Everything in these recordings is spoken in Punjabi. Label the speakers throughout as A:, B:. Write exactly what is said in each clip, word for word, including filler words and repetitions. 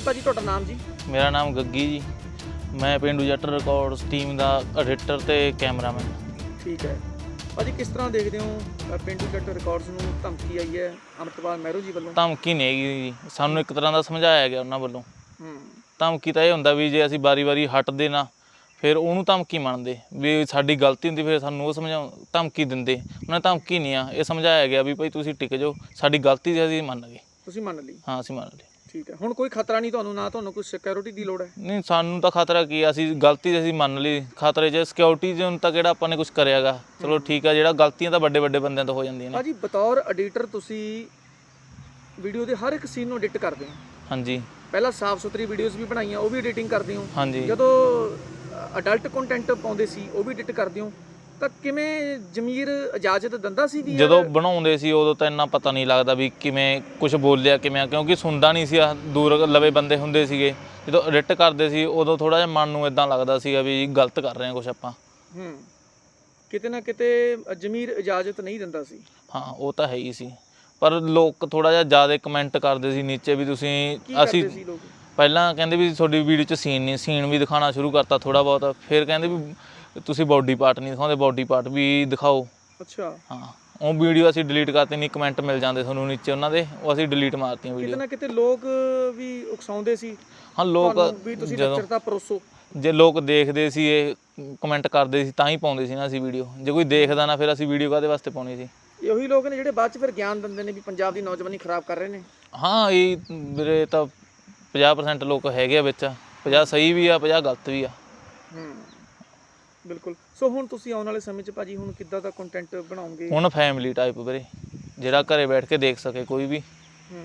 A: ਭਾਜੀ ਤੁਹਾਡਾ ਨਾਮ ਜੀ?
B: ਮੇਰਾ ਨਾਮ ਗੱਗੀ ਜੀ, ਮੈਂ ਪੇਂਡੂ ਜੱਟ ਰਿਕਾਰਡਸ ਟੀਮ ਦਾ ਐਡੀਟਰ ਤੇ ਕੈਮਰਾਮੈਨ।
A: ਠੀਕ ਹੈ ਭਾਜੀ, ਕਿਸ ਤਰ੍ਹਾਂ ਦੇਖਦੇ ਹੋ ਪੇਂਡੂ ਜੱਟ ਰਿਕਾਰਡਸ ਨੂੰ ਧਮਕੀ ਆਈ ਹੈ ਅੰਮ੍ਰਿਤਪਾਲ ਮਹਿਰੋ ਜੀ ਵੱਲੋਂ?
B: ਧਮਕੀ ਨਹੀਂ ਹੈਗੀ ਜੀ, ਸਾਨੂੰ ਇੱਕ ਤਰ੍ਹਾਂ ਦਾ ਸਮਝਾਇਆ ਗਿਆ ਉਹਨਾਂ ਵੱਲੋਂ।
A: ਹੂੰ
B: ਧਮਕੀ ਤਾਂ ਇਹ ਹੁੰਦਾ ਵੀ ਜੇ ਅਸੀਂ ਵਾਰੀ ਵਾਰੀ ਹਟਦੇ ਨਾ ਫਿਰ ਉਹਨੂੰ ਧਮਕੀ ਮੰਨਦੇ ਵੀ ਸਾਡੀ ਗਲਤੀ ਹੁੰਦੀ, ਫਿਰ ਸਾਨੂੰ ਉਹ ਸਮਝਾਉ ਧਮਕੀ ਦਿੰਦੇ। ਉਹਨਾਂ ਧਮਕੀ ਨਹੀਂ ਆ, ਇਹ ਸਮਝਾਇਆ ਗਿਆ ਵੀ ਭਾਈ ਤੁਸੀਂ ਟਿਕ ਜਾਓ, ਸਾਡੀ ਗਲਤੀ ਸੀ ਅਸੀਂ ਮੰਨ ਗਏ।
A: ਤੁਸੀਂ ਮੰਨ ਲਈ?
B: ਹਾਂ ਅਸੀਂ ਮੰਨ ਲਈ।
A: ਠੀਕ ਹੈ, ਹੁਣ ਕੋਈ ਖਤਰਾ ਨਹੀਂ ਤੁਹਾਨੂੰ? ਨਾ ਤੁਹਾਨੂੰ ਕੋਈ ਸਿਕਿਉਰਿਟੀ ਦੀ ਲੋੜ ਹੈ?
B: ਨਹੀਂ, ਸਾਨੂੰ ਤਾਂ ਖਤਰਾ ਕੀ ਆ, ਅਸੀਂ ਗਲਤੀ ਅਸੀਂ ਮੰਨ ਲਈ। ਖਤਰੇ 'ਚ ਸਿਕਿਉਰਿਟੀ 'ਚ ਹੁਣ ਤਾਂ ਕਿਹੜਾ ਆਪਾਂ ਨੇ ਕੁਛ ਕਰਿਆਗਾ। ਚਲੋ ਠੀਕ ਆ, ਜਿਹੜਾ ਗਲਤੀਆਂ ਤਾਂ ਵੱਡੇ ਵੱਡੇ ਬੰਦਿਆਂ ਤੋਂ ਹੋ ਜਾਂਦੀਆਂ ਨੇ।
A: ਭਾਜੀ ਬਤੌਰ ਐਡੀਟਰ ਤੁਸੀਂ ਵੀਡੀਓ ਦੇ ਹਰ ਇੱਕ ਸੀਨ ਨੂੰ ਐਡਿਟ ਕਰਦੇ ਹੋ? ਹਾਂਜੀ। ਪਹਿਲਾਂ ਸਾਫ਼ ਸੁਥਰੀ ਵੀਡੀਓਜ਼ ਵੀ ਬਣਾਈਆਂ, ਉਹ ਵੀ ਐਡੀਟਿੰਗ ਕਰਦੇ ਹੋ?
B: ਹਾਂਜੀ।
A: ਜਦੋਂ ਅਡਲਟ ਕੰਟੈਂਟ ਪਾਉਂਦੇ ਸੀ ਉਹ ਵੀ ਐਡਿਟ ਕਰਦੇ ਹੋ, ਤਾਂ ਕਿਵੇਂ ਜ਼ਮੀਰ ਇਜਾਜ਼ਤ ਦਿੰਦਾ ਸੀ ਵੀ?
B: ਜਦੋਂ ਬਣਾਉਂਦੇ ਸੀ ਉਦੋਂ ਤਾਂ ਇੰਨਾ ਪਤਾ ਨਹੀਂ ਲੱਗਦਾ ਵੀ ਕਿਵੇਂ ਕੁਝ ਬੋਲਿਆ ਕਿਵੇਂ, ਕਿਉਂਕਿ ਸੁਣਦਾ ਨਹੀਂ ਸੀ, ਦੂਰ ਲਵੇ ਬੰਦੇ ਹੁੰਦੇ ਸੀਗੇ। ਜਦੋਂ ਐਡਿਟ ਕਰਦੇ ਸੀ ਉਦੋਂ ਥੋੜ੍ਹਾ ਜਿਹਾ ਮਨ ਨੂੰ ਇੱਦਾਂ ਲੱਗਦਾ ਸੀਗਾ ਵੀ ਗਲਤ ਕਰ ਰਹੇ ਹਾਂ ਕੁਛ ਆਪਾਂ।
A: ਹੂੰ, ਕਿਤੇ ਨਾ ਕਿਤੇ ਜ਼ਮੀਰ ਇਜਾਜ਼ਤ ਨਹੀਂ ਦਿੰਦਾ ਸੀ।
B: ਹਾਂ ਉਹ ਤਾਂ ਹੈ ਹੀ ਸੀ, ਪਰ ਲੋਕ ਥੋੜ੍ਹਾ ਜਿਹਾ ਜ਼ਿਆਦਾ ਕਮੈਂਟ ਕਰਦੇ ਸੀ ਨੀਚੇ ਵੀ ਤੁਸੀਂ ਅਸੀਂ ਪਹਿਲਾਂ ਕਹਿੰਦੇ ਵੀ ਤੁਹਾਡੀ ਵੀਡੀਓ 'ਚ ਸੀਨ ਨਹੀਂ, ਸੀਨ ਵੀ ਦਿਖਾਉਣਾ ਸ਼ੁਰੂ ਕਰਤਾ ਥੋੜ੍ਹਾ ਬਹੁਤ। ਫਿਰ ਕਹਿੰਦੇ ਵੀ ਤੁਸੀਂ ਬੋਡੀ ਪਾਰਟ ਨਹੀਂ ਦਿਖਾਉਂਦੇ, ਬੋਡੀ ਪਾਰਟ ਵੀ ਦਿਖਾਓ। ਅੱਛਾ। ਹਾਂ, ਉਹ ਵੀਡੀਓ ਅਸੀਂ ਡਿਲੀਟ ਕਰਤੀ, ਨਹੀਂ ਕਮੈਂਟ ਮਿਲ ਜਾਂਦੇ ਤੁਹਾਨੂੰ ਨੀਚੇ ਉਹਨਾਂ ਦੇ, ਉਹ ਅਸੀਂ ਡਿਲੀਟ ਮਾਰਤੀਆਂ ਵੀਡੀਓ। ਕਿਤੇ ਨਾ ਕਿਤੇ ਲੋਕ ਵੀ ਉਕਸਾਉਂਦੇ ਸੀ। ਹਾਂ ਲੋਕ ਵੀ ਤੁਸੀਂ ਲੱਚਰਤਾ ਪਰੋਸੋ। ਜੇ ਲੋਕ ਦੇਖਦੇ ਸੀ ਇਹ ਕਮੈਂਟ ਕਰਦੇ ਸੀ ਤਾਂ ਹੀ ਪਾਉਂਦੇ ਸੀ ਨਾ ਅਸੀਂ ਵੀਡੀਓ। ਜੇ ਕੋਈ ਦੇਖਦਾ ਨਾ ਫਿਰ ਅਸੀਂ ਵੀਡੀਓ ਕਾਹਦੇ ਵਾਸਤੇ ਪਾਉਣੀ ਸੀ? ਇਹ ਉਹੀ ਲੋਕ ਨੇ ਜਿਹੜੇ ਬਾਅਦ 'ਚ ਫਿਰ ਗਿਆਨ ਦਿੰਦੇ ਨੇ ਵੀ ਪੰਜਾਬ ਦੀ ਨੌਜਵਾਨੀ ਖਰਾਬ ਕਰ ਰਹੇ ਨੇ। ਹਾਂ ਇਹ ਵੀਰੇ ਤਾਂ ਪੰਜਾਹ ਪਰਸੈਂਟ ਲੋਕ ਹੈਗੇ ਆ ਵਿੱਚ, ਪੰਜਾਹ ਸਹੀ ਵੀ ਆ, ਪੰਜਾਹ ਗਲਤ ਵੀ ਆ। ਹੂੰ ਬਿਲਕੁਲ। ਸੋ ਹੁਣ ਤੁਸੀਂ ਆਉਣ ਵਾਲੇ ਸਮੇਂ 'ਚ ਭਾਜੀ ਹੁਣ ਕਿੱਦਾਂ ਦਾ ਕੰਟੈਂਟ ਬਣਾਓਗੇ? ਹੁਣ ਫੈਮਿਲੀ ਟਾਈਪ ਵੀਰੇ, ਜਿਹੜਾ ਘਰੇ ਬੈਠ ਕੇ ਦੇਖ ਸਕੇ ਕੋਈ ਵੀ। ਹੂੰ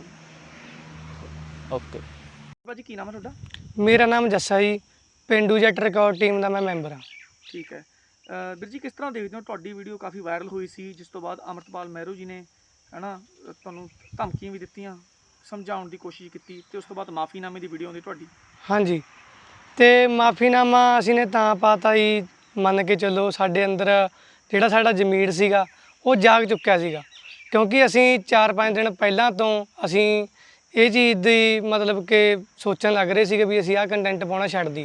B: ਓਕੇ। ਭਾਜੀ ਕੀ ਨਾਮ ਹੈ ਤੁਹਾਡਾ?
C: ਮੇਰਾ ਨਾਮ ਜੱਸਾ ਜੀ, ਪੇਂਡੂ ਜੱਟ ਰਿਕਾਰਡ ਟੀਮ ਦਾ ਮੈਂ ਮੈਂਬਰ ਹਾਂ।
A: ਠੀਕ ਹੈ ਵੀਰ ਜੀ, ਕਿਸ ਤਰ੍ਹਾਂ ਦੇਖਦੇ ਹੋ? ਤੁਹਾਡੀ ਵੀਡੀਓ ਕਾਫੀ ਵਾਇਰਲ ਹੋਈ ਸੀ, ਜਿਸ ਤੋਂ ਬਾਅਦ ਅੰਮ੍ਰਿਤਪਾਲ ਮਹਿਰੋ ਜੀ ਨੇ ਹੈ ਨਾ ਤੁਹਾਨੂੰ ਧਮਕੀਆਂ ਵੀ ਦਿੱਤੀਆਂ, ਸਮਝਾਉਣ ਦੀ ਕੋਸ਼ਿਸ਼ ਕੀਤੀ, ਅਤੇ ਉਸ ਤੋਂ ਬਾਅਦ ਮਾਫੀਨਾਮੇ ਦੀ ਵੀਡੀਓ ਆਉਂਦੀ ਤੁਹਾਡੀ।
C: ਹਾਂਜੀ, ਅਤੇ ਮਾਫੀਨਾਮਾ ਅਸੀਂ ਨੇ ਤਾਂ ਪਾਤਾ ਜੀ, ਮੰਨ ਕੇ ਚੱਲੋ ਸਾਡੇ ਅੰਦਰ ਜਿਹੜਾ ਸਾਡਾ ਜ਼ਮੀਰ ਸੀਗਾ ਉਹ ਜਾਗ ਚੁੱਕਿਆ ਸੀਗਾ, ਕਿਉਂਕਿ ਅਸੀਂ ਚਾਰ ਪੰਜ ਦਿਨ ਪਹਿਲਾਂ ਤੋਂ ਅਸੀਂ ਇਹ ਚੀਜ਼ ਦੀ ਮਤਲਬ ਕਿ ਸੋਚਣ ਲੱਗ ਰਹੇ ਸੀਗੇ ਵੀ ਅਸੀਂ ਆਹ ਕੰਟੈਂਟ ਪਾਉਣਾ ਛੱਡ ਦਈਏ।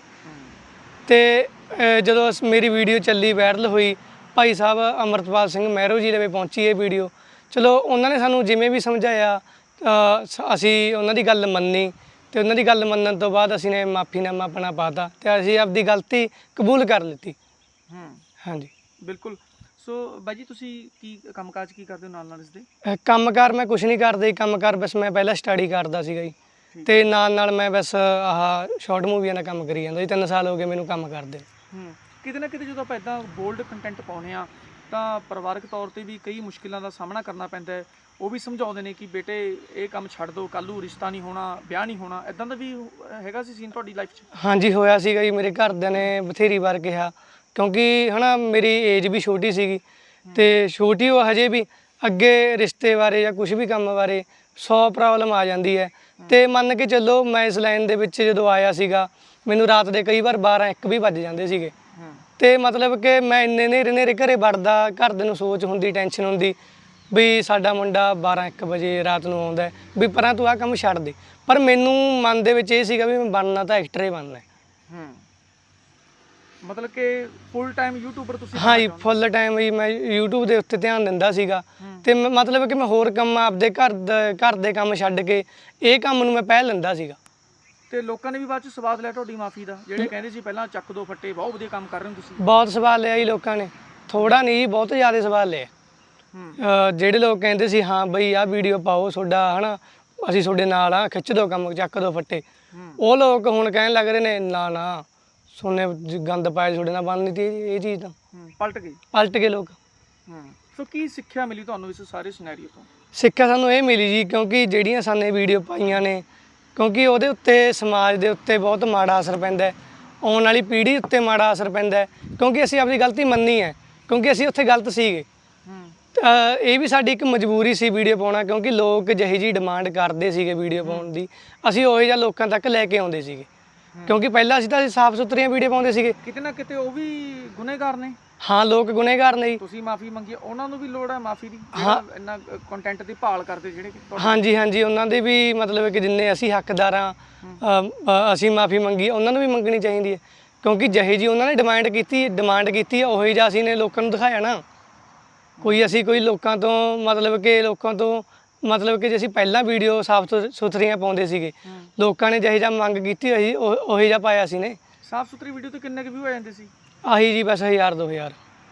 C: ਅਤੇ ਜਦੋਂ ਮੇਰੀ ਵੀਡੀਓ ਚੱਲੀ, ਵਾਇਰਲ ਹੋਈ, ਭਾਈ ਸਾਹਿਬ ਅੰਮ੍ਰਿਤਪਾਲ ਸਿੰਘ ਮਹਿਰੋ ਜੀ ਦੇ ਵਿੱਚ ਪਹੁੰਚੀ ਇਹ ਵੀਡੀਓ। ਚਲੋ ਉਹਨਾਂ ਨੇ ਸਾਨੂੰ ਜਿਵੇਂ ਵੀ ਸਮਝਾਇਆ ਅਸੀਂ ਉਹਨਾਂ ਦੀ ਗੱਲ ਮੰਨੀ, ਅਤੇ ਉਹਨਾਂ ਦੀ ਗੱਲ ਮੰਨਣ ਤੋਂ ਬਾਅਦ ਅਸੀਂ ਨੇ ਮਾਫੀਨਾਮਾ ਆਪਣਾ ਪਾਤਾ ਅਤੇ ਅਸੀਂ ਆਪਦੀ ਗਲਤੀ ਕਬੂਲ ਕਰ ਲਿੱਤੀ। ਹੂੰ ਹਾਂਜੀ
A: ਬਿਲਕੁਲ। ਸੋ ਬਾਈ ਜੀ ਤੁਸੀਂ ਕੀ ਕੰਮਕਾਜ ਕੀ ਕਰਦੇ ਹੋ ਨਾਲ ਨਾਲ ਇਸਦੇ?
C: ਕੰਮਕਾਰ ਮੈਂ ਕੁਛ ਨਹੀਂ ਕਰਦਾ ਜੀ, ਕੰਮਕਾਰ ਬਸ ਮੈਂ ਪਹਿਲਾਂ ਸਟੱਡੀ ਕਰਦਾ ਸੀਗਾ ਜੀ, ਅਤੇ ਨਾਲ ਨਾਲ ਮੈਂ ਬਸ ਆਹ ਸ਼ਾਰਟ ਮੂਵੀਆਂ ਦਾ ਕੰਮ ਕਰੀ ਜਾਂਦਾ ਜੀ। ਤਿੰਨ ਸਾਲ ਹੋ ਗਏ ਮੈਨੂੰ ਕੰਮ ਕਰਦੇ।
A: ਹੂੰ ਕਿਤੇ ਨਾ ਕਿਤੇ ਜਦੋਂ ਆਪਾਂ ਇੱਦਾਂ ਬੋਲਡ ਕੰਟੈਂਟ ਪਾਉਂਦੇ ਹਾਂ ਤਾਂ ਪਰਿਵਾਰਕ ਤੌਰ 'ਤੇ ਵੀ ਕਈ ਮੁਸ਼ਕਿਲਾਂ ਦਾ ਸਾਹਮਣਾ ਕਰਨਾ ਪੈਂਦਾ ਹੈ। ਉਹ ਵੀ ਸਮਝਾਉਂਦੇ ਨੇ ਕਿ ਬੇਟੇ ਇਹ ਕੰਮ ਛੱਡ ਦਿਓ, ਕੱਲ੍ਹ ਨੂੰ ਰਿਸ਼ਤਾ ਨਹੀਂ ਹੋਣਾ, ਵਿਆਹ ਨਹੀਂ ਹੋਣਾ। ਇੱਦਾਂ ਦਾ ਵੀ ਹੈਗਾ ਸੀ ਸੀਨ ਤੁਹਾਡੀ ਲਾਈਫ 'ਚ? ਹਾਂਜੀ
C: ਹੋਇਆ ਸੀਗਾ ਜੀ, ਮੇਰੇ ਘਰਦਿਆਂ ਨੇ ਬਥੇਰੀ ਵਾਰ ਕਿਹਾ, ਕਿਉਂਕਿ ਹੈ ਨਾ ਮੇਰੀ ਏਜ ਵੀ ਛੋਟੀ ਸੀਗੀ, ਅਤੇ ਛੋਟੀ ਉਹ ਹਜੇ ਵੀ ਅੱਗੇ ਰਿਸ਼ਤੇ ਬਾਰੇ ਜਾਂ ਕੁਛ ਵੀ ਕੰਮ ਬਾਰੇ ਸੌ ਪ੍ਰੋਬਲਮ ਆ ਜਾਂਦੀ ਹੈ। ਅਤੇ ਮੰਨ ਕੇ ਚੱਲੋ ਮੈਂ ਇਸ ਲਾਈਨ ਦੇ ਵਿੱਚ ਜਦੋਂ ਆਇਆ ਸੀਗਾ ਮੈਨੂੰ ਰਾਤ ਦੇ ਕਈ ਵਾਰ ਬਾਰਾਂ ਇੱਕ ਵੀ ਵੱਜ ਜਾਂਦੇ ਸੀਗੇ, ਅਤੇ ਮਤਲਬ ਕਿ ਮੈਂ ਇੰਨੇ ਨੇਰੇ ਨੇਰੇ ਘਰੇ ਵੜਦਾ, ਘਰਦਿਆਂ ਨੂੰ ਸੋਚ ਹੁੰਦੀ, ਟੈਨਸ਼ਨ ਹੁੰਦੀ ਵੀ ਸਾਡਾ ਮੁੰਡਾ ਬਾਰਾਂ ਇੱਕ ਵਜੇ ਰਾਤ ਨੂੰ ਆਉਂਦਾ ਵੀ ਪਰਾਂ ਤੂੰ ਆਹ ਕੰਮ ਛੱਡ ਦੇ। ਪਰ ਮੈਨੂੰ ਮਨ ਦੇ ਵਿੱਚ ਇਹ ਸੀਗਾ ਵੀ ਮੈਂ ਬਣਨਾ ਤਾਂ ਐਕਟਰ ਹੀ ਬਣਨਾ।
A: ਹੂੰ ਮਤਲਬ ਕਿ ਫੁੱਲ ਟਾਈਮ ਯੂਟਿਊਬਰ ਤੁਸੀਂ?
C: ਹਾਂ ਜੀ, ਫੁੱਲ ਟਾਈਮ ਹੀ ਮੈਂ ਯੂਟਿਊਬ ਦੇ ਉੱਤੇ ਧਿਆਨ ਦਿੰਦਾ ਸੀਗਾ, ਅਤੇ ਮਤਲਬ ਕਿ ਮੈਂ ਹੋਰ ਕੰਮ ਆਪਦੇ ਘਰ ਦਾ ਘਰ ਦੇ ਕੰਮ ਛੱਡ ਕੇ ਇਹ ਕੰਮ ਨੂੰ ਮੈਂ ਪਹਿਲ ਲੈਂਦਾ ਸੀਗਾ।
A: ਅਤੇ ਲੋਕਾਂ ਨੇ ਵੀ ਬਾਅਦ 'ਚ ਸਵਾਦ ਲਿਆ ਤੁਹਾਡੀ ਮਾਫੀ ਦਾ? ਜਿਹੜੇ ਕਹਿੰਦੇ ਸੀ ਪਹਿਲਾਂ ਚੱਕ ਦੋ ਫੱਟੇ, ਬਹੁਤ ਵਧੀਆ ਕੰਮ ਕਰ ਰਹੇ ਹੋ ਤੁਸੀਂ।
C: ਬਹੁਤ ਸਵਾਦ ਲਿਆ ਜੀ ਲੋਕਾਂ ਨੇ, ਥੋੜ੍ਹਾ ਨਹੀਂ ਜੀ, ਬਹੁਤ ਜ਼ਿਆਦਾ ਸਵਾਦ ਲਿਆ। ਜਿਹੜੇ ਲੋਕ ਕਹਿੰਦੇ ਸੀ ਹਾਂ ਬਈ ਆਹ ਵੀਡੀਓ ਪਾਓ, ਤੁਹਾਡਾ ਹੈ ਨਾ ਅਸੀਂ ਤੁਹਾਡੇ ਨਾਲ ਆ, ਖਿੱਚ ਦਿਓ ਕੰਮ, ਚੱਕ ਦਿਓ ਫੱਟੇ, ਉਹ ਲੋਕ ਹੁਣ ਕਹਿਣ ਲੱਗ ਰਹੇ ਨੇ ਨਾ ਨਾ ਸੋਨੇ ਗੰਦ ਪਾਇਆ ਤੁਹਾਡੇ ਨਾਲ ਬਣਨੀ ਤੀ ਇਹ ਚੀਜ਼ ਤਾਂ। ਪਲਟ ਗਏ ਪਲਟ ਗਏ ਲੋਕ। ਸੋ ਕੀ ਸਿੱਖਿਆ ਮਿਲੀ ਤੁਹਾਨੂੰ ਇਸ ਸਾਰੇ ਸਿਨੈਰੀਓ ਤੋਂ? ਸਿੱਖਿਆ ਸਾਨੂੰ ਇਹ ਮਿਲੀ ਜੀ, ਕਿਉਂਕਿ ਜਿਹੜੀਆਂ ਸਾਨੇ ਵੀਡੀਓ ਪਾਈਆਂ ਨੇ, ਕਿਉਂਕਿ ਉਹਦੇ ਉੱਤੇ ਸਮਾਜ ਦੇ ਉੱਤੇ ਬਹੁਤ ਮਾੜਾ ਅਸਰ ਪੈਂਦਾ, ਆਉਣ ਵਾਲੀ ਪੀੜ੍ਹੀ ਉੱਤੇ ਮਾੜਾ ਅਸਰ ਪੈਂਦਾ, ਕਿਉਂਕਿ ਅਸੀਂ ਆਪਣੀ ਗਲਤੀ ਮੰਨੀ ਹੈ, ਕਿਉਂਕਿ ਅਸੀਂ ਉੱਥੇ ਗਲਤ ਸੀਗੇ। ਇਹ ਵੀ ਸਾਡੀ ਇੱਕ ਮਜਬੂਰੀ ਸੀ ਵੀਡੀਓ ਪਾਉਣਾ, ਕਿਉਂਕਿ ਲੋਕ ਜਿਹੀ ਜਿਹੀ ਡਿਮਾਂਡ ਕਰਦੇ ਸੀਗੇ ਵੀਡੀਓ ਪਾਉਣ ਦੀ, ਅਸੀਂ ਉਹੋ ਜਿਹਾ ਲੋਕਾਂ ਤੱਕ ਲੈ ਕੇ ਆਉਂਦੇ ਸੀਗੇ, ਕਿਉਂਕਿ ਪਹਿਲਾਂ ਅਸੀਂ ਤਾਂ ਅਸੀਂ ਸਾਫ਼ ਸੁਥਰੀਆਂ ਵੀਡੀਓ ਪਾਉਂਦੇ ਸੀਗੇ। ਕਿਤੇ ਨਾ ਕਿਤੇ ਉਹ ਵੀ ਗੁਨੇਗਾਰ ਨੇ। ਹਾਂ ਲੋਕ ਗੁਨੇਗਾਰ ਨੇ ਜੀ। ਤੁਸੀਂ ਮਾਫੀ ਮੰਗੀ, ਉਹਨਾਂ ਨੂੰ ਵੀ ਲੋੜ ਹੈ ਮਾਫੀ ਦੀ? ਹਾਂ ਇੰਨਾ ਕੰਟੈਂਟ ਦੀ ਭਾਲ ਕਰਦੇ ਜਿਹੜੇ? ਹਾਂਜੀ ਹਾਂਜੀ ਉਹਨਾਂ ਦੇ ਵੀ ਮਤਲਬ ਕਿ ਜਿੰਨੇ ਅਸੀਂ ਹੱਕਦਾਰ ਹਾਂ ਅ, ਅ, ਅਸੀਂ ਮਾਫੀ ਮੰਗੀ, ਉਹਨਾਂ ਨੂੰ ਵੀ ਮੰਗਣੀ ਚਾਹੀਦੀ ਹੈ, ਕਿਉਂਕਿ ਜਿਹੇ ਜੀ ਉਹਨਾਂ ਨੇ ਡਿਮਾਂਡ ਕੀਤੀ ਡਿਮਾਂਡ ਕੀਤੀ ਹੈ ਉਹੀ ਜਿਹਾ ਅਸੀਂ ਨੇ ਲੋਕਾਂ ਨੂੰ ਦਿਖਾਇਆ ਨਾ। ਕੋਈ ਅਸੀਂ ਕੋਈ ਲੋਕਾਂ ਤੋਂ ਮਤਲਬ ਕਿ ਲੋਕਾਂ ਤੋਂ ਮਤਲਬ ਕਿ ਜੇ ਅਸੀਂ ਪਹਿਲਾਂ ਵੀਡੀਓ ਸਾਫ ਸੁਥਰੀਆਂ ਪਾਉਂਦੇ ਸੀਗੇ, ਲੋਕਾਂ ਨੇ ਜਿਹੇ ਜਿਹਾ ਮੰਗ ਕੀਤੀ ਹੋਈ ਉਹ- ਉਹੀ ਜਿਹਾ ਪਾਇਆ ਸੀ ਨੇ।
A: ਸਾਫ ਸੁਥਰੀ ਵੀਡੀਓ ਤੇ ਕਿੰਨੇ ਕੁ ਵਿਊ ਆ ਜਾਂਦੇ ਸੀ?
C: ਆਹੀ ਜੀ ਬਸ ਹਜ਼ਾਰ ਦੋ ਹਜ਼ਾਰ।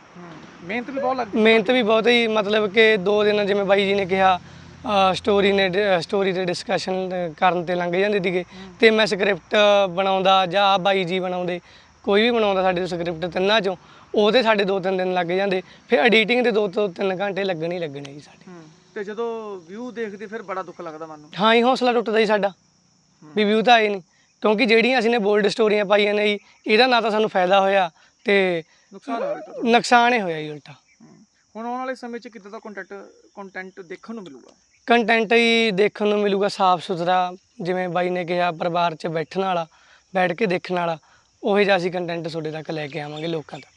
A: ਮਿਹਨਤ ਵੀ ਬਹੁਤ ਲੱਗਦੀ
C: ਮਿਹਨਤ ਵੀ ਬਹੁਤ ਹੀ ਮਤਲਬ ਕਿ ਦੋ ਦਿਨ ਜਿਵੇਂ ਬਾਈ ਜੀ ਨੇ ਕਿਹਾ ਸਟੋਰੀ ਨੇ ਸਟੋਰੀ ਤੇ ਡਿਸਕਸ਼ਨ ਕਰਨ ਤੇ ਲੰਘ ਜਾਂਦੇ ਸੀਗੇ, ਤੇ ਮੈਂ ਸਕ੍ਰਿਪਟ ਬਣਾਉਂਦਾ ਜਾਂ ਆਹ ਬਾਈ ਜੀ ਬਣਾਉਂਦੇ, ਕੋਈ ਵੀ ਬਣਾਉਂਦਾ ਸਾਡੇ ਤੋਂ ਸਕ੍ਰਿਪਟ ਤਿੰਨਾਂ ਚੋਂ, ਉਹਦੇ ਸਾਡੇ ਦੋ ਤਿੰਨ ਦਿਨ ਲੱਗ ਜਾਂਦੇ, ਫਿਰ ਐਡੀਟਿੰਗ ਦੇ ਦੋ ਤੋਂ ਤਿੰਨ ਘੰਟੇ ਲੱਗਣੇ ਹੀ ਲੱਗਣੇ ਜੀ ਸਾਡੇ।
A: ਤੇ ਜਦੋਂ ਵਿਊ ਦੇਖਦੇ ਫਿਰ ਬੜਾ ਦੁੱਖ ਲੱਗਦਾ ਮਨ ਨੂੰ।
C: ਹਾਂ ਹੀ ਹੌਸਲਾ ਟੁੱਟਦਾ ਜੀ ਸਾਡਾ ਵੀ ਵਿਊ ਤਾਂ ਆਏ ਨਹੀਂ, ਕਿਉਂਕਿ ਜਿਹੜੀਆਂ ਅਸੀਂ ਨੇ ਬੋਲਡ ਸਟੋਰੀਆਂ ਪਾਈਆਂ ਨੇ ਜੀ ਇਹਦਾ ਨਾ ਤਾਂ ਸਾਨੂੰ ਫਾਇਦਾ ਹੋਇਆ ਤੇ
A: ਨੁਕਸਾਨ ਹੋਇਆ ਉਲਟਾ।
C: ਨੁਕਸਾਨ ਹੀ ਹੋਇਆ ਜੀ ਉਲਟਾ।
A: ਹੁਣ ਆਉਣ ਵਾਲੇ ਸਮੇਂ 'ਚ ਕਿੱਦਾਂ ਦਾ ਕੰਟੈਂਟ ਕੰਟੈਂਟ ਦੇਖਣ ਨੂੰ ਮਿਲੂਗਾ?
C: ਕੰਟੈਂਟ ਹੀ ਦੇਖਣ ਨੂੰ ਮਿਲੂਗਾ ਸਾਫ ਸੁਥਰਾ, ਜਿਵੇਂ ਬਾਈ ਨੇ ਕਿਹਾ ਪਰਿਵਾਰ 'ਚ ਬੈਠਣ ਵਾਲਾ, ਬੈਠ ਕੇ ਦੇਖਣ ਵਾਲਾ, ਉਹੀ ਜਿਹਾ ਅਸੀਂ ਕੰਟੈਂਟ ਤੁਹਾਡੇ ਤੱਕ ਲੈ ਕੇ ਆਵਾਂਗੇ ਲੋਕਾਂ ਤੱਕ।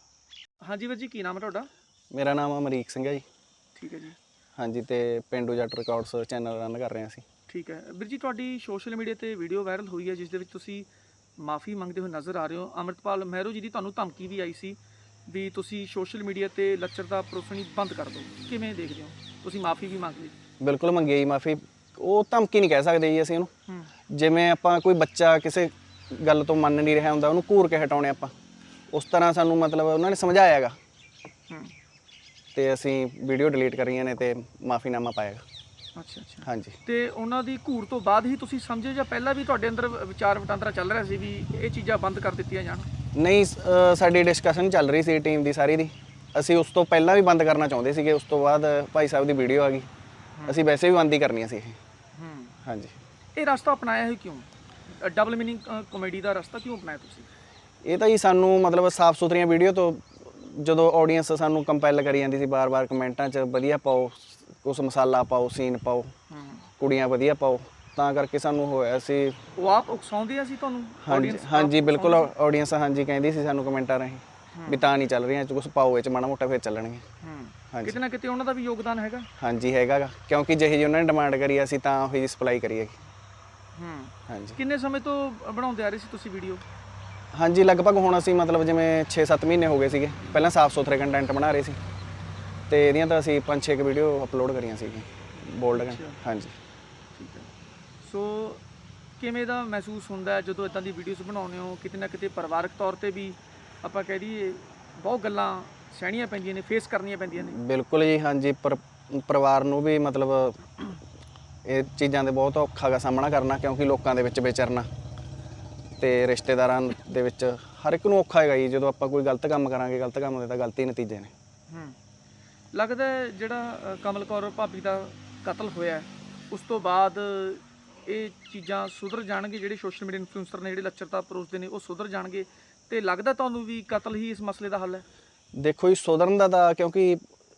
A: ਹਾਂਜੀ ਵੀਰ ਜੀ, ਕੀ ਨਾਮ ਹੈ ਤੁਹਾਡਾ?
D: ਮੇਰਾ ਨਾਮ ਅਮਰੀਕ ਸਿੰਘ ਹੈ ਜੀ।
A: ਠੀਕ ਹੈ ਜੀ।
D: ਹਾਂਜੀ, ਤੇ ਪਿੰਡੂ ਜੱਟ ਰਿਕਾਰਡਸ ਚੈਨਲ ਰਨ ਕਰ ਰਹੇ ਹਾਂ ਅਸੀਂ।
A: ਠੀਕ ਹੈ ਵੀਰ ਜੀ, ਤੁਹਾਡੀ ਸੋਸ਼ਲ ਮੀਡੀਆ ਤੇ ਵੀਡੀਓ ਵਾਇਰਲ ਹੋਈ ਹੈ ਜਿਸ ਦੇ ਵਿੱਚ ਤੁਸੀਂ ਮਾਫੀ ਮੰਗਦੇ ਹੋਏ ਨਜ਼ਰ ਆ ਰਹੇ ਹੋ। ਅੰਮ੍ਰਿਤਪਾਲ ਮਹਿਰੋ ਜੀ ਦੀ ਤੁਹਾਨੂੰ ਧਮਕੀ ਵੀ ਆਈ ਸੀ ਵੀ ਤੁਸੀਂ ਸੋਸ਼ਲ ਮੀਡੀਆ ਤੇ ਲੱਚਰਤਾ ਪਰੋਸਣੀ ਬੰਦ ਕਰ ਦਿਓ, ਕਿਵੇਂ ਦੇਖਦੇ ਹੋ? ਤੁਸੀਂ ਮਾਫੀ ਵੀ ਮੰਗ ਲਈ।
D: ਬਿਲਕੁਲ ਮੰਗੀ ਜੀ ਮਾਫੀ। ਉਹ ਧਮਕੀ ਨਹੀਂ ਕਹਿ ਸਕਦੇ ਜੀ ਅਸੀਂ ਉਹਨੂੰ।
A: ਹੂੰ
D: ਜਿਵੇਂ ਆਪਾਂ ਕੋਈ ਬੱਚਾ ਕਿਸੇ ਗੱਲ ਤੋਂ ਮੰਨ ਨਹੀਂ ਰਿਹਾ ਹੁੰਦਾ, ਉਹਨੂੰ ਘੂਰ ਕੇ ਹਟਾਉਣੇ ਆਪਾਂ, ਉਸ ਤਰ੍ਹਾਂ ਸਾਨੂੰ ਮਤਲਬ ਉਹਨਾਂ ਨੇ ਸਮਝਾਇਆ ਹੈਗਾ
A: ਹੂੰ
D: ਤੇ ਅਸੀਂ ਵੀਡੀਓ ਡਿਲੀਟ ਕਰੀਆਂ ਨੇ ਤੇ ਮਾਫੀਨਾਮਾ ਪਾਇਆ ਹੈਗਾ।
A: ਅੱਛਾ ਅੱਛਾ।
D: ਹਾਂਜੀ,
A: ਤੇ ਉਹਨਾਂ ਦੀ ਘੂਰ ਤੋਂ ਬਾਅਦ ਹੀ ਤੁਸੀਂ ਸਮਝੇ ਜਾਂ ਪਹਿਲਾਂ ਵੀ ਤੁਹਾਡੇ ਅੰਦਰ ਵਿਚਾਰ ਵਟਾਂਦਰਾ ਚੱਲ ਰਿਹਾ ਸੀ ਵੀ ਇਹ ਚੀਜ਼ਾਂ ਬੰਦ ਕਰ ਦਿੱਤੀਆਂ ਜਾਣ?
D: ਨਹੀਂ ਅ, ਸਾਡੀ ਡਿਸਕਸ਼ਨ ਚੱਲ ਰਹੀ ਸੀ ਟੀਮ ਦੀ ਸਾਰੀ ਦੀ। ਅਸੀਂ ਉਸ ਤੋਂ ਪਹਿਲਾਂ ਵੀ ਬੰਦ ਕਰਨਾ ਚਾਹੁੰਦੇ ਸੀਗੇ, ਉਸ ਤੋਂ ਬਾਅਦ ਭਾਈ ਸਾਹਿਬ ਦੀ ਵੀਡੀਓ ਆ ਗਈ, ਅਸੀਂ ਵੈਸੇ ਵੀ ਬੰਦ ਹੀ ਕਰਨੀਆਂ ਸੀ ਇਹ।
A: ਹੂੰ।
D: ਹਾਂਜੀ,
A: ਇਹ ਰਸਤਾ ਅਪਣਾਇਆ ਹੈ ਕਿਉਂ? ਡਬਲ ਮੀਨਿੰਗ ਕਾਮੇਡੀ ਦਾ ਰਸਤਾ ਕਿਉਂ ਅਪਣਾਇਆ ਤੁਸੀਂ?
D: ਇਹ ਤਾਂ ਜੀ ਸਾਨੂੰ ਮਤਲਬ ਸਾਫ ਸੁਥਰੀਆਂ ਵੀਡੀਓ ਤੋਂ ਜਦੋਂ ਆਡੀਅנס ਸਾਨੂੰ ਕੰਪੈਲ ਕਰੀ ਜਾਂਦੀ ਸੀ ਬਾਰ-ਬਾਰ ਕਮੈਂਟਾਂ 'ਚ ਵਧੀਆ ਪਾਓ, ਕੁਛ ਮਸਾਲਾ ਪਾਓ, ਸੀਨ ਪਾਓ,
A: ਹੂੰ।
D: ਕੁੜੀਆਂ ਵਧੀਆ ਪਾਓ, ਤਾਂ ਕਰਕੇ ਸਾਨੂੰ ਹੋਇਆ ਸੀ।
A: ਉਹ ਆਪ ਉਕਸਾਉਂਦੇ ਆ ਸੀ ਤੁਹਾਨੂੰ?
D: ਹਾਂਜੀ
A: audience ਆਪ
D: ਹਾਂਜੀ ਬਿਲਕੁਲ,
A: ਉਕਸਾਉਂਦੀ
D: ਆਡੀਅנס ਹਾਂਜੀ ਕਹਿੰਦੀ ਸੀ ਸਾਨੂੰ ਕਮੈਂਟਾਂ ਰਾਹੀਂ ਵੀ ਤਾਂ ਨਹੀਂ ਚੱਲ ਰਹੀਆਂ, ਕੁਛ ਪਾਓ ਇਹ 'ਚ ਮਾੜਾ ਮੋਟਾ ਫਿਰ ਚੱਲਣਗੇ।
A: ਸੀ? ਹੂੰ।
D: ਹਾਂਜੀ।
A: ਕਿਤੇ ਨਾ ਕਿਤੇ ਉਹਨਾਂ ਦਾ ਵੀ ਯੋਗਦਾਨ ਹੈਗਾ।
D: ਹਾਂਜੀ ਹੈਗਾ ਗਾ, ਕਿਉਂਕਿ ਜਿਹੀ ਜਿਹੀ ਉਹਨਾਂ ਨੇ ਡਿਮਾਂਡ ਕਰੀ ਅਸੀਂ ਤਾਂ ਉਹੀ ਸਪਲਾਈ ਕਰੀ ਹੈਗੀ।
A: ਹੂੰ।
D: ਹਾਂਜੀ
A: ਕਿੰਨੇ ਸਮੇਂ ਤੋਂ ਬਣਾਉਂਦੇ ਆ ਰਹੇ ਸੀ ਤੁਸੀਂ ਵੀਡੀਓ?
D: ਹਾਂਜੀ ਲਗਭਗ ਹੁਣ ਅਸੀਂ ਮਤਲਬ ਜਿਵੇਂ ਛੇ ਸੱਤ ਮਹੀਨੇ ਹੋ ਗਏ ਸੀਗੇ, ਪਹਿਲਾਂ ਸਾਫ ਸੁਥਰੇ ਕੰਟੈਂਟ ਬਣਾ ਰਹੇ ਸੀ ਤੇ ਇਹਦੀਆਂ ਤਾਂ ਅਸੀਂ ਪੰਜ ਛੇ ਕੁ ਵੀਡੀਓ ਅਪਲੋਡ ਕਰੀਆਂ ਸੀਗੀਆਂ ਬੋਲਡ। ਹਾਂਜੀ
A: ਠੀਕ ਹੈ। ਸੋ ਕਿਵੇਂ ਦਾ ਮਹਿਸੂਸ ਹੁੰਦਾ ਹੈ ਜਦੋਂ ਇਦਾਂ ਦੀ ਵੀਡੀਓਜ਼ ਬਣਾਉਂਦੇ ਹੋ? ਕਿਤੇ ਨਾ ਕਿਤੇ ਪਰਿਵਾਰਕ ਤੌਰ ਤੇ ਵੀ ਆਪਾਂ ਕਹਿ ਦਈਏ ਬਹੁਤ ਗੱਲਾਂ ਸਹਿਣੀਆਂ ਪੈਂਦੀਆਂ ਨੇ, ਫੇਸ ਕਰਨੀਆਂ ਪੈਂਦੀਆਂ ਨੇ।
D: ਬਿਲਕੁਲ ਜੀ, ਹਾਂਜੀ ਪਰ ਪਰਿਵਾਰ ਨੂੰ ਵੀ ਮਤਲਬ ਇਹ ਚੀਜ਼ਾਂ ਦੇ ਬਹੁਤ ਔਖਾ ਗਾ ਸਾਹਮਣਾ ਕਰਨਾ, ਕਿਉਂਕਿ ਲੋਕਾਂ ਦੇ ਵਿੱਚ ਵਿਚਰਨਾ ਤੇ ਰਿਸ਼ਤੇਦਾਰਾਂ ਦੇ ਵਿੱਚ ਹਰ ਇੱਕ ਨੂੰ ਔਖਾ ਹੈਗਾ ਜੀ। ਜਦੋਂ ਆਪਾਂ ਕੋਈ ਗਲਤ ਕੰਮ ਕਰਾਂਗੇ, ਗਲਤ ਕੰਮ ਦੇ ਤਾਂ ਗਲਤ ਹੀ ਨਤੀਜੇ ਨੇ।
A: ਹੂੰ। ਲੱਗਦਾ ਹੈ ਜਿਹੜਾ ਅ, ਕਮਲ ਕੌਰ ਭਾਬੀ ਦਾ ਕਤਲ ਹੋਇਆ ਉਸ ਤੋਂ ਬਾਅਦ ਇਹ ਚੀਜ਼ਾਂ ਸੁਧਰ ਜਾਣਗੇ? ਜਿਹੜੇ ਸੋਸ਼ਲ ਮੀਡੀਆ ਇਨਫਲੂਐਂਸਰ ਨੇ ਜਿਹੜੇ ਲੱਚਰਤਾ ਪਰੋਸਦੇ ਨੇ ਉਹ ਸੁਧਰ ਜਾਣਗੇ? ਤੇ ਲੱਗਦਾ ਤੁਹਾਨੂੰ ਵੀ ਕਤਲ ਹੀ ਇਸ ਮਸਲੇ ਦਾ ਹੱਲ ਹੈ?
D: ਦੇਖੋ ਜੀ, ਸੁਧਰਨ ਦਾ ਤਾਂ ਕਿਉਂਕਿ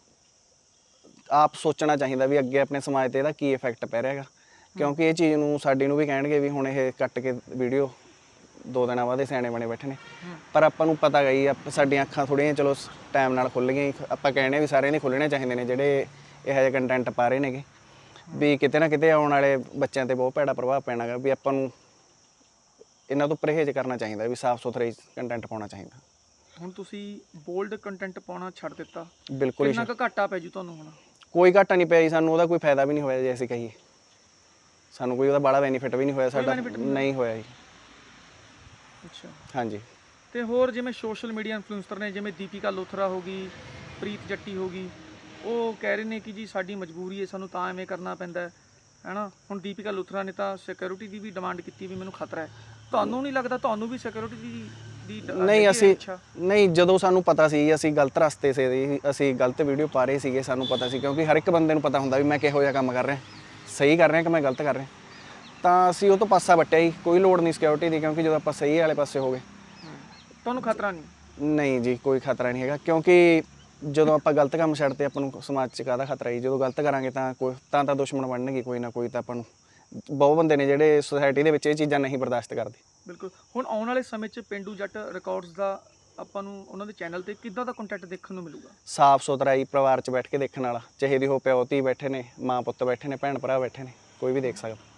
D: ਆਪ ਸੋਚਣਾ ਚਾਹੀਦਾ ਵੀ ਅੱਗੇ ਆਪਣੇ ਸਮਾਜ ਤੇ ਇਹਦਾ ਕੀ ਇਫੈਕਟ ਪੈ ਰਿਹਾ ਹੈਗਾ, ਕਿਉਂਕਿ ਇਹ ਚੀਜ਼ ਨੂੰ ਸਾਡੀ ਨੂੰ ਵੀ ਕਹਿਣਗੇ ਵੀ ਹੁਣ ਇਹ ਕੱਟ ਕੇ ਵੀਡੀਓ ਦੋ ਦਿਨਾਂ ਬਾਅਦ ਇਹ ਸਿਆਣੇ ਬਣੇ ਬੈਠੇ ਨੇ, ਪਰ ਆਪਾਂ ਨੂੰ ਪਤਾ ਗਈ ਸਾਡੀਆਂ ਅੱਖਾਂ ਥੋੜ੍ਹੀਆਂ ਚਲੋ ਟਾਈਮ ਨਾਲ ਖੁੱਲ੍ਹ ਗਈਆਂ। ਆਪਾਂ ਕਹਿੰਦੇ ਵੀ ਸਾਰਿਆਂ ਦੇ ਖੁੱਲ੍ਹਣੇ ਚਾਹੀਦੇ ਨੇ ਜਿਹੜੇ ਇਹੋ ਜਿਹੇ ਕੰਟੈਂਟ ਪਾ ਰਹੇ ਨੇਗੇ, ਵੀ ਕਿਤੇ ਨਾ ਕਿਤੇ ਆਉਣ ਵਾਲੇ ਬੱਚਿਆਂ ਤੇ ਬਹੁਤ ਭੈੜਾ ਪ੍ਰਭਾਵ ਪੈਣਾ ਗਾ, ਵੀ ਆਪਾਂ ਨੂੰ ਇਹਨਾਂ ਤੋਂ ਪਰਹੇਜ਼ ਕਰਨਾ ਚਾਹੀਦਾ, ਵੀ ਸਾਫ਼ ਸੁਥਰਾ ਕੰਟੈਂਟ ਪਾਉਣਾ ਚਾਹੀਦਾ।
A: ਹੁਣ ਤੁਸੀਂ ਬੋਲਡ ਕੰਟੈਂਟ ਪਾਉਣਾ ਛੱਡ ਦਿੱਤਾ,
D: ਬਿਲਕੁਲ
A: ਕਿੰਨਾ ਕੁ ਘਾਟਾ ਪੈ ਜੂ ਤੁਹਾਨੂੰ ਹੁਣ?
D: ਕੋਈ ਘਾਟਾ ਨਹੀਂ ਪਿਆ ਜੀ ਸਾਨੂੰ, ਉਹਦਾ ਕੋਈ ਫਾਇਦਾ ਵੀ ਨਹੀਂ ਹੋਇਆ ਜੇ ਅਸੀਂ ਕਹੀਏ, ਸਾਨੂੰ ਕੋਈ ਉਹਦਾ ਬੜਾ ਬੈਨੀਫਿਟ ਵੀ ਨਹੀਂ ਹੋਇਆ ਸਾਡਾ, ਨਹੀਂ ਹੋਇਆ ਜੀ।
A: ਅੱਛਾ।
D: ਹਾਂਜੀ।
A: ਤੇ ਹੋਰ ਜਿਵੇਂ ਸੋਸ਼ਲ ਮੀਡੀਆ ਇਨਫਲੂਐਂਸਰ ਨੇ, ਜਿਵੇਂ ਦੀਪਿਕਾ ਲੋਥਰਾ ਹੋ ਗਈ, ਪ੍ਰੀਤ ਜੱਟੀ ਹੋ ਗਈ, ਉਹ ਕਹਿ ਰਹੇ ਨੇ ਕਿ ਜੀ ਸਾਡੀ ਮਜਬੂਰੀ ਹੈ, ਸਾਨੂੰ ਤਾਂ ਐਵੇਂ ਕਰਨਾ ਪੈਂਦਾ ਹੈ ਹੈਨਾ। ਹੁਣ ਦੀਪਿਕਾ ਲੋਥਰਾ ਨੇ ਤਾਂ ਸਿਕਿਉਰਿਟੀ ਦੀ ਵੀ ਡਿਮਾਂਡ ਕੀਤੀ ਵੀ ਮੈਨੂੰ ਖਤਰਾ ਹੈ, ਤੁਹਾਨੂੰ ਨਹੀਂ ਲੱਗਦਾ ਤੁਹਾਨੂੰ ਵੀ ਸਿਕਿਉਰਿਟੀ ਦੀ ਦੀ
D: ਨਹੀਂ ਅਸੀਂ ਨਹੀਂ, ਜਦੋਂ ਸਾਨੂੰ ਪਤਾ ਸੀ ਅਸੀਂ ਗਲਤ ਰਸਤੇ ਸੇ ਅਸੀਂ ਗਲਤ ਵੀਡੀਓ ਪਾ ਰਹੇ ਸੀਗੇ, ਸਾਨੂੰ ਪਤਾ ਸੀ, ਕਿਉਂਕਿ ਹਰ ਇੱਕ ਬੰਦੇ ਨੂੰ ਪਤਾ ਹੁੰਦਾ ਵੀ ਮੈਂ ਕਿਹੋ ਜਿਹਾ ਕੰਮ ਕਰ ਰਿਹਾ, ਸਹੀ ਕਰ ਰਿਹਾ ਕਿ ਮੈਂ ਗਲਤ ਕਰ ਰਿਹਾ, ਤਾਂ ਅਸੀਂ ਉਹ ਤੋਂ ਪਾਸਾ ਵੱਟਿਆ ਹੀ, ਕੋਈ ਲੋੜ ਨਹੀਂ ਸਿਕਿਉਰਿਟੀ ਦੀ, ਕਿਉਂਕਿ ਜਦੋਂ ਆਪਾਂ ਸਹੀ ਵਾਲੇ ਪਾਸੇ ਹੋ ਗਏ
A: ਤੁਹਾਨੂੰ ਖਤਰਾ ਨਹੀਂ?
D: ਨਹੀਂ ਜੀ, ਕੋਈ ਖਤਰਾ ਨਹੀਂ ਹੈਗਾ, ਕਿਉਂਕਿ ਜਦੋਂ ਆਪਾਂ ਗਲਤ ਕੰਮ ਛੱਡਦੇ ਆਪਾਂ ਨੂੰ ਸਮਾਜ 'ਚ ਕਾਹਦਾ ਖਤਰਾ ਹੀ, ਜਦੋਂ ਗਲਤ ਕਰਾਂਗੇ ਤਾਂ ਕੋਈ ਤਾਂ ਤਾਂ ਦੁਸ਼ਮਣ ਬਣਨਗੇ ਕੋਈ ਨਾ ਕੋਈ, ਤਾਂ ਆਪਾਂ ਨੂੰ ਬਹੁਤ ਬੰਦੇ ਨੇ ਜਿਹੜੇ ਸੋਸਾਇਟੀ ਦੇ ਵਿੱਚ ਇਹ ਚੀਜ਼ਾਂ ਨਹੀਂ ਬਰਦਾਸ਼ਤ ਕਰਦੇ।
A: ਬਿਲਕੁਲ। ਹੁਣ ਆਉਣ ਵਾਲੇ ਸਮੇਂ 'ਚ ਪਿੰਡੂ ਜੱਟ ਰਿਕਾਰਡਸ ਦਾ ਆਪਾਂ ਨੂੰ ਉਹਨਾਂ ਦੇ ਚੈਨਲ ਤੇ ਕਿੱਦਾਂ ਦਾ ਕੰਟੈਂਟ ਦੇਖਣ ਨੂੰ ਮਿਲੂਗਾ?
D: ਸਾਫ਼ ਸੁਥਰਾ ਹੀ, ਪਰਿਵਾਰ 'ਚ ਬੈਠ ਕੇ ਦੇਖਣ ਵਾਲਾ, ਚਾਹੇ ਦੀ ਹੋ ਪਿਓ ਧੀ ਬੈਠੇ ਨੇ, ਮਾਂ ਪੁੱਤ ਬੈਠੇ ਨੇ, ਭੈਣ ਭਰਾ ਬੈਠੇ ਨੇ, ਕੋਈ ਵੀ ਦੇਖ ਸਕਦਾ।